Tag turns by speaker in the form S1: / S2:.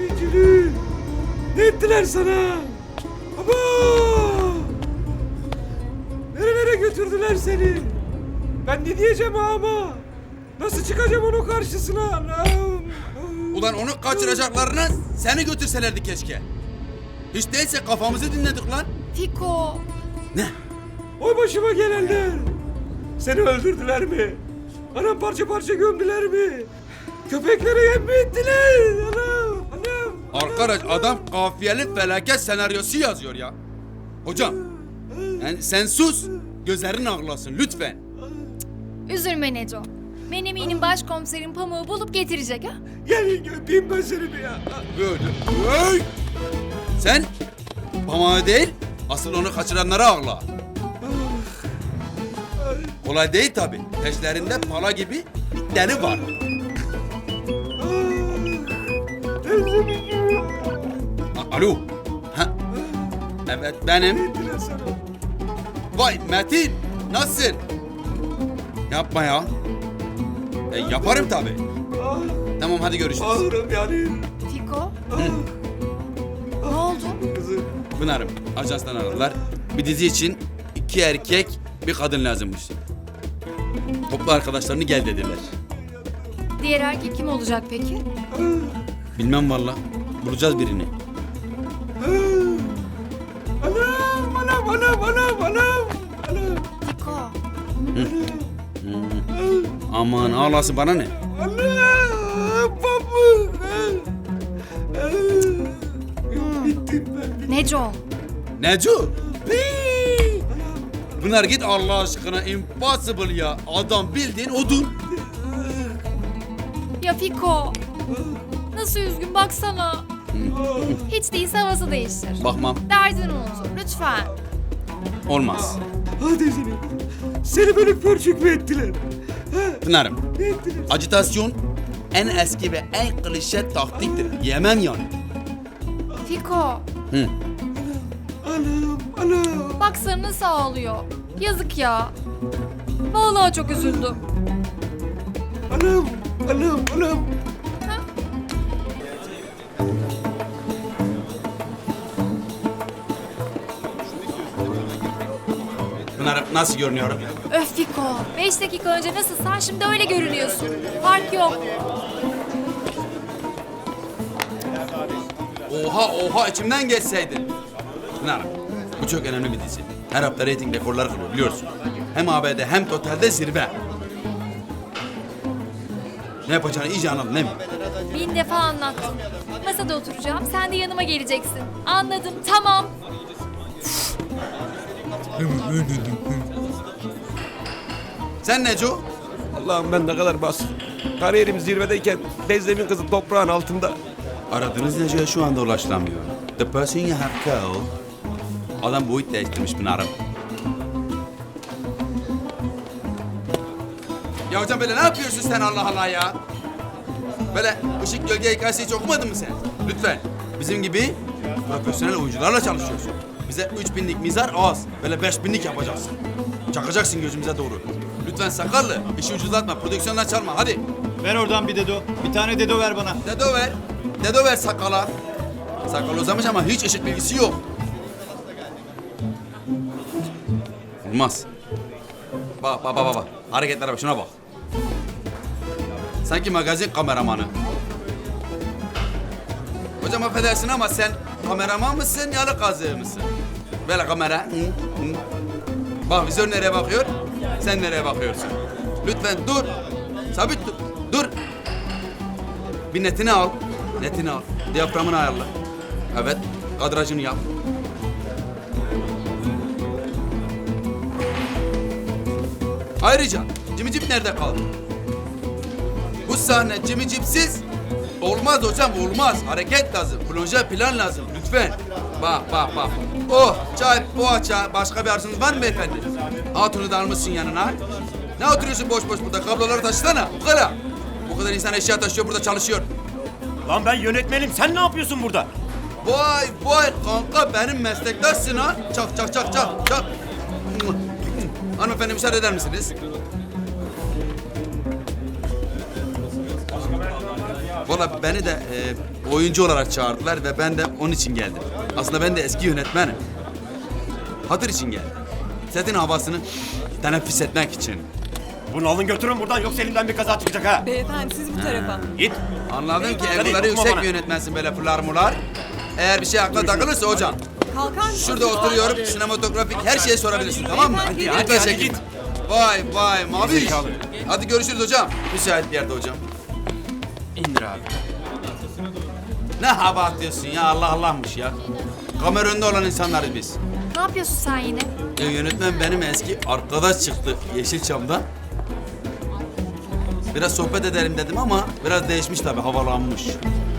S1: Gülü. Ne ettiler sana? Baba! Nerelere götürdüler seni? Ben ne diyeceğim ama? Nasıl çıkacağım onun karşısına? Allah'ım.
S2: Ulan onu kaçıracaklarına seni götürselerdi keşke. Hiç değilse kafamızı dinledik lan.
S3: Fiko.
S2: Ne?
S1: Oy başıma gelenler. Seni öldürdüler mi? Anam parça parça gömdüler mi? Köpeklere yem mi ettiler? Anam, anam.
S2: Arkadaş adam kafiyeli felaket senaryosu yazıyor ya. Hocam yani sen sus gözlerin ağlasın lütfen.
S3: Üzülme Neco. Ben eminim başkomiserin pamuğu bulup getirecek ha.
S1: Gel öpeyim ben seni bir ya.
S2: Böyle. Hey! Sen pamağı değil asıl onu kaçıranlara ağla. Kolay değil tabi. Peşlerinde pala gibi bir deli var. Alo. Ha. Evet benim.
S1: Ettiler sana.
S2: Vay Metin. Nasılsın? Yapma ya. Yaparım tabi.
S1: Ah,
S2: Tamam hadi görüşürüz.
S1: ağırım yani.
S3: Fiko. Ne oldu?
S1: Kızım.
S2: Pınar'ım ajanstan aradılar. Bir dizi için 2 erkek bir kadın lazımmış. Topla arkadaşlarını gel dediler.
S3: Diğer erkek kim olacak peki?
S2: Bilmem valla. Bulacağız birini.
S1: Anam, anam, anam, anam, anam. Anam,
S3: Fiko.
S2: Aman ağlasın bana ne?
S1: anam, pamuk. Bittim ben.
S3: Neco.
S2: Neco? Pınar git Allah aşkına impossible ya. Adam bildiğin odun.
S3: Ya Fiko. Nasıl üzgün baksana. Hiç değilse havası değiştir.
S2: Bakmam.
S3: Derdini unut. Lütfen.
S2: Olmaz.
S1: Hadi seni böyle pörçük mü ettiler?
S2: Pınar'ım
S1: Ne ettiler?
S2: acitasyon en eski ve en klişe taktiktir. Yemem yani.
S3: Fiko.
S2: Hı.
S1: Anam, anam.
S3: Baksana nasıl ağlıyor. Yazık ya. Vallahi çok üzüldüm.
S1: Anam, anam, anam.
S2: Pınar'ım nasıl görünüyorum?
S3: Öf Fiko. 5 dakika önce nasılsan şimdi öyle görünüyorsun. Fark yok.
S2: Oha içimden geçseydin. Pınar'ım bu çok önemli bir dizi. Her hafta reyting rekorları kırıyor biliyorsun. Hem ABD hem totalde zirve. Ne yapacağını iyice anladın değil mi?
S3: 1000 defa anlattım. Masada oturacağım. Sen de yanıma geleceksin. Anladım. Tamam.
S2: Sen Neco?
S1: Allah'ım ben ne kadar bas. Kariyerim zirvedeyken Bezdem'in kızı toprağın altında.
S2: Aradığınız Neco'ya şu anda ulaşılamıyor. The person you have called. Adam boyut değiştirmiş Pınar'ım. Ya hocam böyle ne yapıyorsun sen Allah Allah ya? Böyle ışık gölge hikayesi hiç okumadın mı sen? Lütfen. Bizim gibi profesyonel oyuncularla çalışıyorsun. Bize 3000'lik mizar az. Böyle 5000'lik yapacaksın. Çakacaksın gözümüze doğru. Lütfen sakallı. İşi ucuzlatma. Prodüksiyondan çalma. Hadi.
S4: Ver oradan bir dedo. Bir tane dedo ver bana.
S2: Dedo ver. Dedo ver sakala. Sakal uzamış ama hiç ışık bilgisi yok. Olmaz. Bak. Hareketlere bak. Şuna bak. Sanki magazin kameramanı. Hocam affedersin ama sen kameraman mısın, yalı kazığı mısın? Böyle kamera. Hı. Bak vizör nereye bakıyor? Sen nereye bakıyorsun? Lütfen dur. Sabit dur. Dur. Bir netini al. Netini al. Diyaframını ayarla. Evet. Kadrajını yap. Ayrıca cimicip nerede kaldı? Bu sahne cimicipsiz olmaz hocam olmaz. Hareket lazım. Proje plan lazım lütfen. Bak. Oh çay, poğaça. Başka bir arzunuz var mı beyefendi? Hatunu da almışsın yanına. Ne oturuyorsun boş burada? Kabloları taşısana. Bu kadar. Bu kadar insan eşya taşıyor burada çalışıyor.
S5: Lan ben yönetmenim. Sen ne yapıyorsun burada?
S2: Vay kanka benim meslektaşsın ha. Çak. Hanımefendi müsaade eder misiniz? Valla beni de oyuncu olarak çağırdılar ve ben de onun için geldim. Aslında ben de eski yönetmenim. Hatır için geldim. Setin havasını teneffüs etmek için.
S5: Bunu alın götürün buradan yoksa elimden bir kaza çıkacak ha.
S6: Beyefendi siz bu tarafa.
S5: Git.
S2: Anladım ki
S5: Hadi,
S2: egoları
S5: dokunma
S2: yüksek
S5: bana.
S2: bir yönetmensin böyle fırlar. Eğer bir şey aklına takılırsa hocam.
S6: Kalkar mısınız?
S2: Şurada oturuyorum, sinematografik her şeyi sorabilirsin, tamam mı?
S6: Hadi,
S2: Lütfen
S5: hadi,
S2: çekin.
S5: git.
S2: Vay mavi.
S5: Zekalı.
S2: Hadi görüşürüz hocam. Müsait bir yerde hocam.
S5: İndir abi.
S2: Ne hava atıyorsun ya, Allah Allah'mış ya. Kamera önünde olan insanlarız biz.
S3: Ne yapıyorsun sen yine?
S2: Yönetmen benim eski arkadaş çıktı Yeşilçam'da. Biraz sohbet edelim dedim ama biraz değişmiş tabii, havalanmış.